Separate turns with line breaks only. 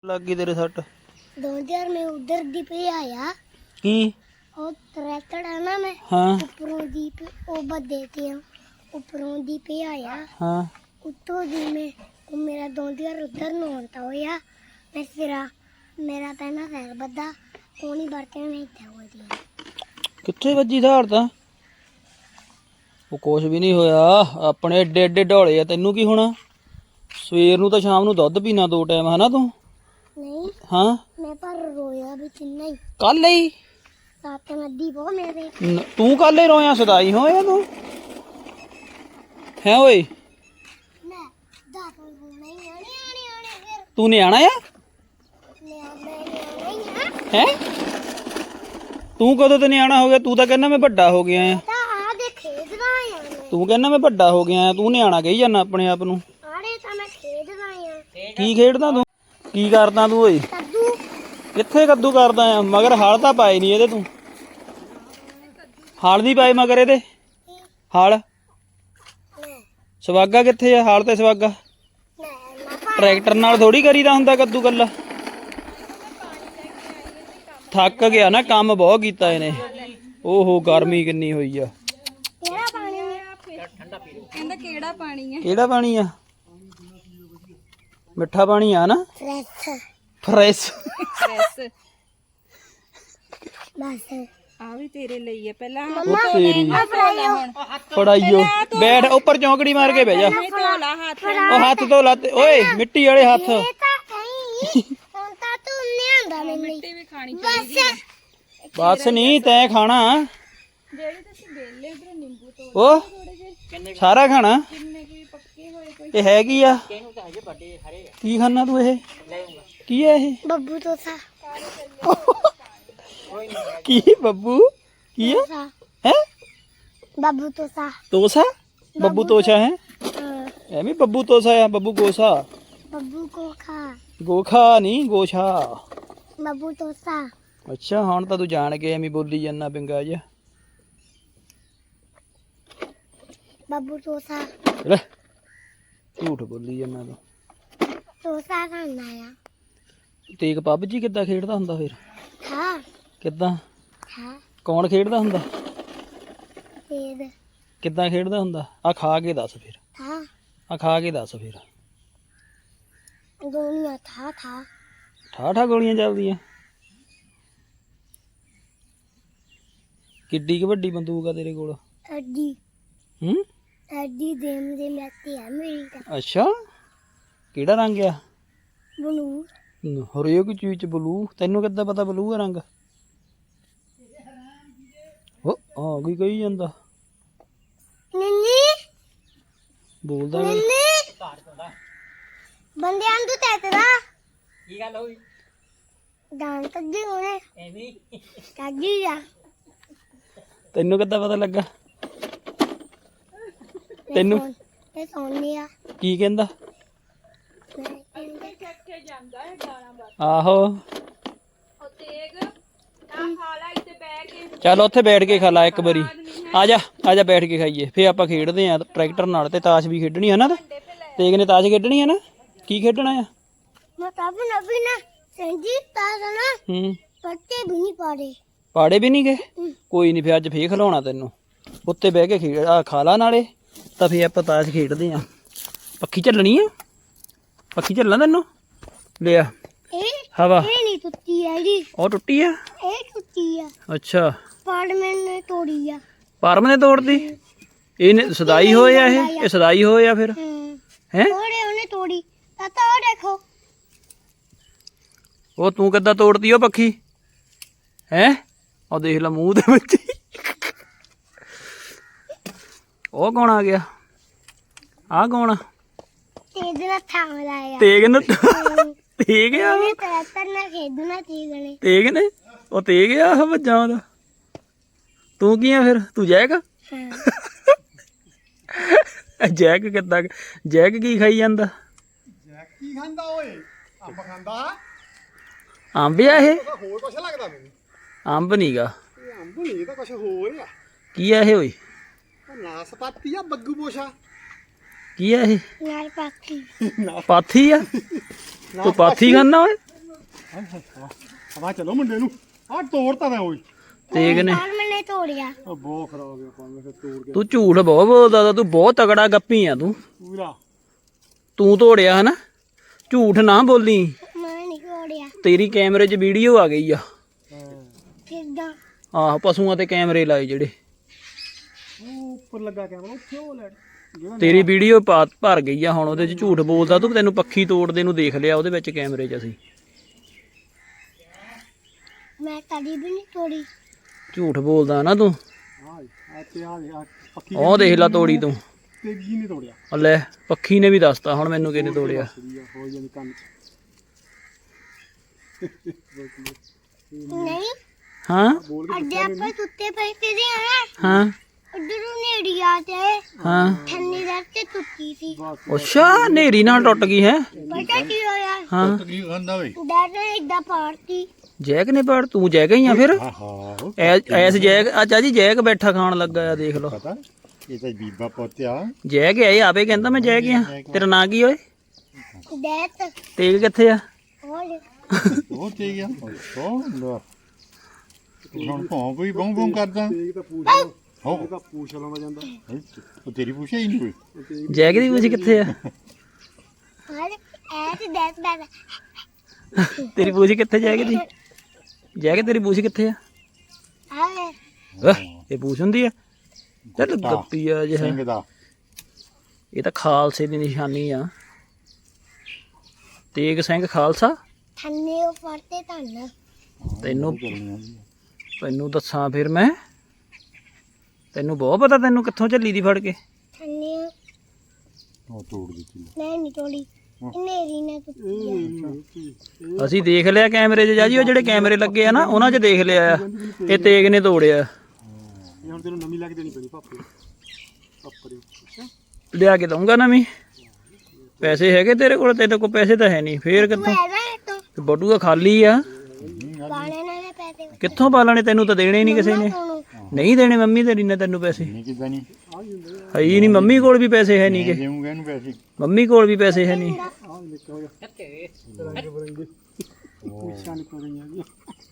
लग गई तेरे सट
2000 में उधर दी पे आया
की
और ट्रैक्टर है ना मैं
हाँ
ऊपरों दी पे ओ बद देते हैं ऊपरों दी पे आया
हाँ
उत्तों दी में वो मेरा 2000 उधर न होता हो या मैं फिरा मेरा पहना सैर बदा कोनी बरते नहीं था वो दिया
कितने वजी धार ਤਾਂ ਉਹ ਕੁਛ ਵੀ ਨਹੀਂ ਹੋਇਆ ਆਪਣੇ ਏਡੇ ਏਡੇ ਢੋਲੇ ਆ ਤੈਨੂੰ ਕੀ ਹੋਣਾ ਸਵੇਰ ਨੂੰ ਤਾਂ ਸ਼ਾਮ ਨੂੰ ਦੁੱਧ ਪੀਣਾ 2 ਟਾਈਮ ਹਨਾ ਤੂੰ
नहीं
ਹਾਂ
मैं पर रोया भी चिन्ना ही
ਕੱਲ ਹੀ
रात में दी वो मेरे
ਤੂੰ ਕੱਲ ਹੀ ਰੋਇਆ ਸਦਾਈ ਹੋਇਆ ਤੂੰ ਹੈ ਓਏ
मैं दांत में नहीं आने आने आने फिर
ਤੂੰ ਨਿਆਣਾ ਆ
मैं
ਹੈ ਤੂੰ ਕਦੋਂ ਤੇ ਨਿਆਣਾ ਹੋ ਗਿਆ ਤੂੰ ਤਾਂ ਕਹਿੰਦਾ ਮੈਂ ਵੱਡਾ ਹੋ ਗਿਆ ਆ
आ दे खेद रहा है
ਤੂੰ ਕਹਿੰਦਾ ਮੈਂ ਵੱਡਾ ਹੋ ਗਿਆ ਆ ਤੂੰ ਨਿਆਣਾ ਕਹੀ ਜਾਂਦਾ ਆਪਣੇ ਆਪ ਨੂੰ
आड़े तो मैं खेद रहा हूं
ਕੀ ਖੇਡਦਾ ਤੂੰ ਕੀ ਕਰਦਾ ਤੂੰ ਓਏ
कद्दू
ਕਿੱਥੇ ਕੱਦੂ ਕਰਦਾ ਆ ਮਗਰ ਹਲ ਤਾਂ ਪਾਏ ਨਹੀਂ ਇਹਦੇ ਤੂੰ ਹਲ ਨਹੀਂ ਪਾਏ ਮਗਰ ਇਹਦੇ ਹਲ ਸਵਾਗਾ ਕਿੱਥੇ ਆ ਹਲ ਤੇ ਸਵਾਗਾ ਟਰੈਕਟਰ ਨਾਲ ਥੋੜੀ ਕਰੀਦਾ ਹੁੰਦਾ ਕੱਦੂ ਕੱਲਾ ਥੱਕ ਗਿਆ ਨਾ ਕੰਮ ਬਹੁਤ ਕੀਤਾ ਇਹਨੇ ਓਹੋ ਗਰਮੀ ਕਿੰਨੀ ਹੋਈ ਆ
तेरा पानी
ਕਹਿੰਦਾ ਕਿਹੜਾ ਪਾਣੀ ਹੈ
ਕਿਹੜਾ ਪਾਣੀ ਆ ਮਿੱਠਾ ਪਾਣੀ ਆ ਨਾ
फ्रेश
ਫਰੈਸ਼
ਫਰੈਸ਼
बस
ਆ ਵੀ ਤੇਰੇ ਲਈ ਹੈ ਪਹਿਲਾਂ
ਉਹ ਤੇਰੀ
ਧੋਲਾ ਹੁਣ
ਫੜਾਈਓ ਬੈਠ ਉੱਪਰ ਚੌਂਕੜੀ ਮਾਰ ਕੇ ਬਹਿ ਜਾ
ਨਹੀਂ ਧੋਲਾ ਹੱਥ
ਉਹ ਹੱਥ ਧੋ ਲਾ ਤੇ ਓਏ ਮਿੱਟੀ ਵਾਲੇ ਹੱਥ
ये तो कहीं कौन ता तू नहीं आंदा मैंने
ਮਿੱਟੀ ਵੀ ਖਾਣੀ
बस
ਬਸ ਨਹੀਂ ਤੈਂ ਖਾਣਾ
ਜਿਹੜੇ ਤੁਸੀਂ ਵੇਲੇ ਉਧਰ ਨਿੰਬੂ ਤੋਂ
ਉਹ ਸਾਰਾ ਖਾਣਾ
ਕਿੰਨੇ ਕੀ ਪੱਕੇ ਹੋਏ ਕੋਈ
ਇਹ ਹੈ ਕੀ ਆ ਕੀ ਖਾਣਾ ਤੂੰ ਇਹ ਕੀ ਹੈ ਇਹ
बब्बू तो सा
ਕੀ ਬੱਬੂ ਕੀ ਹੈ
सा
ਹੈ
बब्बू तो सा
ਤੋਸਾ ਬੱਬੂ ਤੋਸ਼ਾ ਹੈ
हाँ,
ਐਵੇਂ ਬੱਬੂ ਤੋਸਾ ਆ ਬੱਬੂ ਗੋਸਾ
बब्बू को खा
ਗੋਖਾ ਨਹੀਂ ਗੋਸ਼ਾ
बब्बू तो सा
ਅੱਛਾ ਹੁਣ ਤਾਂ ਤੂੰ ਜਾਣ ਕੇ ਐਵੇਂ ਬੋਲੀ ਜਾਂਦਾ ਪਿੰਗਾ ਜਿਹਾ
बब्बू तो सा
ਲੈ ਝੂਠ ਬੋਲੀ ਜਾਂਦਾ ਤੂੰ
तो सा खाना है
ਤੇਗ ਪਬਜੀ ਕਿੱਦਾਂ ਖੇਡਦਾ ਹੁੰਦਾ ਫਿਰ
था
ਕਿੱਦਾਂ
था
ਕੌਣ ਖੇਡਦਾ ਹੁੰਦਾ
तेज
ਕਿੱਦਾਂ ਖੇਡਦਾ ਹੁੰਦਾ ਆ ਖਾ ਕੇ ਦੱਸ ਫਿਰ
था
ਆ ਖਾ ਕੇ ਦੱਸ ਫਿਰ
दुनिया था
ਠਾਠਾ ਗੋਲੀਆਂ ਚੱਲਦੀਆਂ ਕਿੱਡੀ ਕੁ ਵੱਡੀ ਬੰਦੂਕ ਆ ਤੇਰੇ ਕੋਲ
अड्डी
ਹੂੰ
अड्डी देम दे मैती है मेरी का
ਅੱਛਾ ਕਿਹੜਾ ਰੰਗ ਆ
बनू
ਹਰੇਕ ਚੀਜ਼ ਚ ਬਲੂ ਤੈਨੂੰ ਕਿੱਦਾਂ ਪਤਾ ਬਲੂ ਆ ਰੰਗ ਉਹ ਆ ਗਈ ਕਹੀ ਜਾਂਦਾ
नन्नी
ਬੋਲਦਾ ਨੀ।
नन्नी बंदे आंदू तेरा
ਕੀ ਗੱਲ ਹੋਈ
दान तग्गी होने
ਐਵੇਂ
तग्गी जा
ਤੈਨੂੰ ਕਿੱਦਾਂ ਪਤਾ ਲੱਗਾ ਤੈਨੂੰ
ये सोनी आ
ਕੀ ਕਹਿੰਦਾ ਆਹੋ ਚੱਲ ਉੱਥੇ ਬੈਠ ਕੇ ਖਾ ਲਾ ਇੱਕ ਵਾਰੀ ਆ ਜਾ ਬੈਠ ਕੇ ਖਾਈਏ ਫੇਰ ਆਪਾਂ ਖੇਡਦੇ ਆ ਟਰੈਕਟਰ ਨਾਲ ਤੇ ਤਾਸ਼ ਵੀ ਖੇਡਣੀ ਹੈ ਨਾ ਤੇਗ ਨੇ ਤਾਸ਼ ਖੇਡਣੀ ਹੈ ਨਾ ਕੀ ਖੇਡਣਾ ਆ
मैं तब नबी ना संजीत ताज ना
ਹੂੰ
पत्ते भी नहीं पाड़े
ਪਾੜੇ ਵੀ ਨਹੀਂ ਗਏ ਕੋਈ ਨਹੀਂ ਫੇਰ ਅੱਜ ਫੇਰ ਖਿਲਾਉਣਾ ਤੈਨੂੰ ਉੱਤੇ ਬਹਿ ਕੇ ਖੇਡ ਆ ਖਾ ਲਾ ਨਾਲੇ ਤਾਂ ਫੇਰ ਆਪਾਂ ਤਾਸ਼ ਖੇਡਦੇ ਆ ਪੱਖੀ ਚੱਲਣੀ ਆ ਪੱਖੀ ਚੱਲਣਾ ਤੈਨੂੰ ਲਿਆ
ए
ਹਵਾ
ये नहीं टूटी है जी
ਉਹ ਟੁੱਟੀ ਆ
ए टूटी है
ਅੱਛਾ
पाड़ मैंने तोड़ी है
ਪਰਮ ਨੇ ਤੋੜਦੀ ਇਹਨੇ ਸਦਾਈ ਹੋਏ ਆ ਇਹ ਸਦਾਈ ਹੋਏ ਆ ਫਿਰ ਹੈ
थोड़े उन्हें तोड़ी ताता और देखो
ਉਹ ਤੂੰ ਕਿੱਦਾਂ ਤੋੜਦੀ ਉਹ ਪੱਖੀ ਹੈ ਉਹ ਦੇਖ ਲੈ ਮੂੰਹ ਦੇ ਵਿੱਚ ਉਹ ਕੌਣ ਆ ਗਿਆ ਆ ਕੌਣ ਆ
तेज ना थाम लाया
ਤੇਗ ਨੇ ਤੇਗ ਆ
मैंने ट्रैक्टर ना खेदना तेज ने
ਤੇਗ ਨੇ ਉਹ ਤੇਗ ਆ ਆਹ ਵੱਜਾ ਉਹਦਾ ਤੂੰ ਕੀ ਆ ਫਿਰ ਤੂੰ ਜੈਕ
हाँ
ਜੈਕ ਕਿੱਦਾਂ ਜੈਕ ਕੀ ਖਾਈ ਜਾਂਦਾ
ਕੀ ਖਾਂਦਾ ਓਏ ਅੰਬ ਖਾਂਦਾ
ਅੰਬ ਆ ਇਹ
ਹੋਰ ਕੁਛ ਲੱਗਦਾ ਮੈਨੂੰ
ਅੰਬ ਨੀਗਾ
ਇਹ ਅੰਬ ਨਹੀਂ ਇਹ ਤਾਂ ਕੁਛ ਹੋਰ ਆ
ਕੀ ਆ ਇਹ ਓਏ
ਉਹ ਨਾਸਪਾਤੀ ਆ ਬੱਗੂ ਪੋਸ਼ਾ
ਕੀ ਆ ਇਹ
नाल पाखी
ਪਾਥੀ ਆ ਤੂੰ ਪਾਥੀ ਖਾਨਾ ਓਏ
ਹਵਾ ਚਲੋ ਮੁੰਡੇ ਨੂੰ ਆ ਤੋੜਤਾ ਤਾਂ ਓਏ
ਤੇਗ ਨੇ
ਪਰ ਮੈਨੇ ਤੋੜਿਆ
ਆ ਬਹੁਤ ਖਰਾਬ ਹੋ ਗਿਆ ਪਾਣੀ ਫਿਰ ਤੋੜ ਕੇ
ਤੂੰ ਝੂਠ ਬਹੁਤ ਬੋਲਦਾ ਤਾ, ਤੂੰ ਬਹੁਤ ਤਗੜਾ ਗੱਪੀ ਆ ਤੂੰ
ਪੂਰਾ
ਤੂੰ ਤੋੜਿਆ ਹਨਾ ਝੂਠ ਨਾ ਬੋਲੀ
ਮੈਂ ਨਹੀਂ ਤੋੜਿਆ
ਤੇਰੀ ਕੈਮਰੇ 'ਚ ਵੀਡੀਓ ਆ ਗਈ ਆ
ਕਿੱਦਾਂ
ਆਹ ਪਸ਼ੂਆਂ ਤੇ ਕੈਮਰੇ ਲਾਏ ਜਿਹੜੇ
ਉਹ ਉੱਪਰ ਲੱਗਾ ਕੈਮਰਾ ਉੱਥੇ ਉਹ ਲੈਟ ਜਿਹੜਾ
ਤੇਰੀ ਵੀਡੀਓ ਭਰ ਗਈ ਆ ਹੁਣ ਉਹਦੇ 'ਚ ਝੂਠ ਬੋਲਦਾ ਤੂੰ ਤੈਨੂੰ ਪੱਖੀ ਤੋੜਦੇ ਨੂੰ ਦੇਖ ਲਿਆ ਉਹਦੇ ਵਿੱਚ ਕੈਮਰੇ 'ਚ ਅਸੀਂ
ਮੈਂ ਕਦੀ ਵੀ ਨਹੀਂ ਤੋੜੀ
ਝੂਠ ਬੋਲਦਾ ਨਾ ਤੂੰ
ਆ ਤੇ ਆ ਪੱਕੀ
ਉਹ ਦੇਖ ਲਾ ਤੋੜੀ ਤੂੰ
ਤੇਗੀ ਨਹੀਂ ਤੋੜਿਆ
ਆ ਲੈ ਪੱਖੀ ਨੇ ਵੀ ਦੱਸਤਾ ਹੁਣ ਮੈਨੂੰ ਕਿਹਨੇ ਤੋੜਿਆ
ਹੋ ਜਾਂਦੀ ਕੰਨ
ਨਹੀਂ
ਹਾਂ
ਅੱਡੇ ਆਪਾਂ ਸੁੱਤੇ ਪਏ ਕਿਦੇ ਆ
ਹਾਂ
ਉਧਰੋਂ ਨੇੜੀਆਂ ਤੇ
ਹਾਂ
ਠੰਨੀ ਦਰ ਤੇ ਟੁੱਟੀ ਸੀ
ਅੱਛਾ ਨੇਰੀ ਨਾਲ ਟੁੱਟ ਗਈ ਹੈ
ਪਤਾ ਕੀ ਹੋਇਆ
ਹਾਂ
ਕੀ ਖਾਂਦਾ ਵੇ
ਡਰ ਨੇ ਇਦਾਂ ਪਾੜਤੀ
ਜੈਕ ਨੇ ਪੜ ਤੂੰ ਜੈਕ ਹੀ ਆ ਫਿਰ
ਹਾਂ
ਐਸ ਜੈਕ ਅੱਛਾ ਜੀ ਜੈਕ ਬੈਠਾ ਖਾਣ ਲੱਗਾ ਆ ਦੇਖ ਲਓ
ਪਤਾ ਇਹ ਤਾਂ ਬੀਬਾ ਪੋਤਿਆ
ਜੈਕ ਹੈ ਇਹ ਆਪੇ ਕਹਿੰਦਾ ਮੈਂ ਜੈਕ ਆ ਤੇਰਾ ਨਾਂ ਕੀ ਓਏ
ਡੈਤ
ਤੇਗ ਕਿੱਥੇ ਆ
ਹੋਲ
ਉਹ ਤੇ ਗਿਆ ਉਹ ਲੋ ਹੁਣ ਭੌਂ ਕੋਈ ਬੌਂ ਬੌਂ ਕਰਦਾ ਇਹ ਤਾਂ ਪੂਛ ਹੋ ਇਹ ਤਾਂ ਪੂਛ ਲਾਉਂਦਾ ਜਾਂਦਾ ਉਹ ਤੇਰੀ ਪੂਛ ਹੀ ਨਹੀਂ ਕੋਈ
ਜੈਕ ਦੀ ਪੂਛ ਕਿੱਥੇ ਆ
ਹਾਲੇ ਐ ਤੇ ਡੈਤ ਦਾ
ਤੇਰੀ ਪੂਛ ਕਿੱਥੇ ਜੈਕ ਦੀ ਜੈਕ ਤੇਰੀ ਪੂਛ ਕਿੱਥੇ ਆ
ਹਾਲੇ
ਵਾਹ, ਇਹ ਪੂਛ ਹੁੰਦੀ ਆ ਚੱਲ ਗੱਪੀ ਆ ਜਿਹਾ
ਸਿੰਘ ਦਾ
ਇਹ ਤਾਂ ਖਾਲਸੇ ਦੀ ਨਿਸ਼ਾਨੀ ਆ ਤੇਗ ਸਿੰਘ ਖਾਲਸਾ
ਠੰਨੇ ਉਹ ਫੜਤੇ ਧੰਨ
ਤੈਨੂੰ ਦੱਸਾਂ ਫਿਰ ਮੈਂ ਤੈਨੂੰ ਬਹੁਤ ਪਤਾ ਤੈਨੂੰ ਕਿੱਥੋਂ ਝੱਲੀ ਦੀ ਫੜ ਕੇ
ਠੰਨੇ
ਉਹ ਤੋੜ ਦਿੱਤੀ
ਮੈਂ ਨਹੀਂ ਤੋੜੀ ਨੇਰੀ ਨੇ ਟੁੱਟੀ
ਅਸੀਂ ਦੇਖ ਲਿਆ ਕੈਮਰੇ 'ਚ ਜਾਜੀ ਉਹ ਜਿਹੜੇ ਕੈਮਰੇ ਲੱਗੇ ਆ ਨਾ ਉਹਨਾਂ 'ਚ ਦੇਖ ਲਿਆ ਆ ਇਹ ਤੇਗ ਨੇ ਤੋੜਿਆ
ਇਹ ਹੁਣ ਤੈਨੂੰ ਨਵੀਂ ਲੱਗ ਦੇਣੀ ਪੈਣੀ ਪਾਪੇ ਪਾਪਰੇ ਅੱਛਾ
ਲਿਆ ਕੇ ਦਊਂਗਾ ਨਵੀਂ ਪੈਸੇ ਹੈਗੇ ਤੇਰੇ ਕੋਲ ਪੈਸੇ ਤਾਂ ਹੈ ਨਹੀਂ ਫੇਰ ਕਿੱਥੋਂ
ਐਦਾ ਤੂੰ
ਬਟੂਆ ਖਾਲੀ ਆ
ਬਾਣੇ ਨਾਲ ਪੈਸੇ
ਕਿੱਥੋਂ ਪਾਲਣੇ ਤੈਨੂੰ ਤਾਂ ਦੇਣੇ ਨਹੀਂ ਕਿਸੇ ਨੇ
ਤੁਹਾਨੂੰ
ਨਹੀਂ ਦੇਣੇ ਮੰਮੀ ਤੇਰੀ ਨੇ ਤੈਨੂੰ ਪੈਸੇ
ਨਹੀਂ ਕਿਦਾਂ ਨਹੀਂ
ਹੈ ਹੀ ਨਹੀਂ ਮੰਮੀ ਕੋਲ ਵੀ ਪੈਸੇ ਹੈ ਨਹੀਂ ਗੇ
ਦੇਵਾਂਗਾ ਇਹਨੂੰ ਪੈਸੇ
ਮੰਮੀ ਕੋਲ ਵੀ ਪੈਸੇ ਹੈ ਨਹੀਂ
ਆ ਨਿਕਲ ਗਿਆ ਰੰਗ ਬਰੰਗੇ ਪੁੱਛਾਂ ਨਿਕਲ ਗਈਆਂ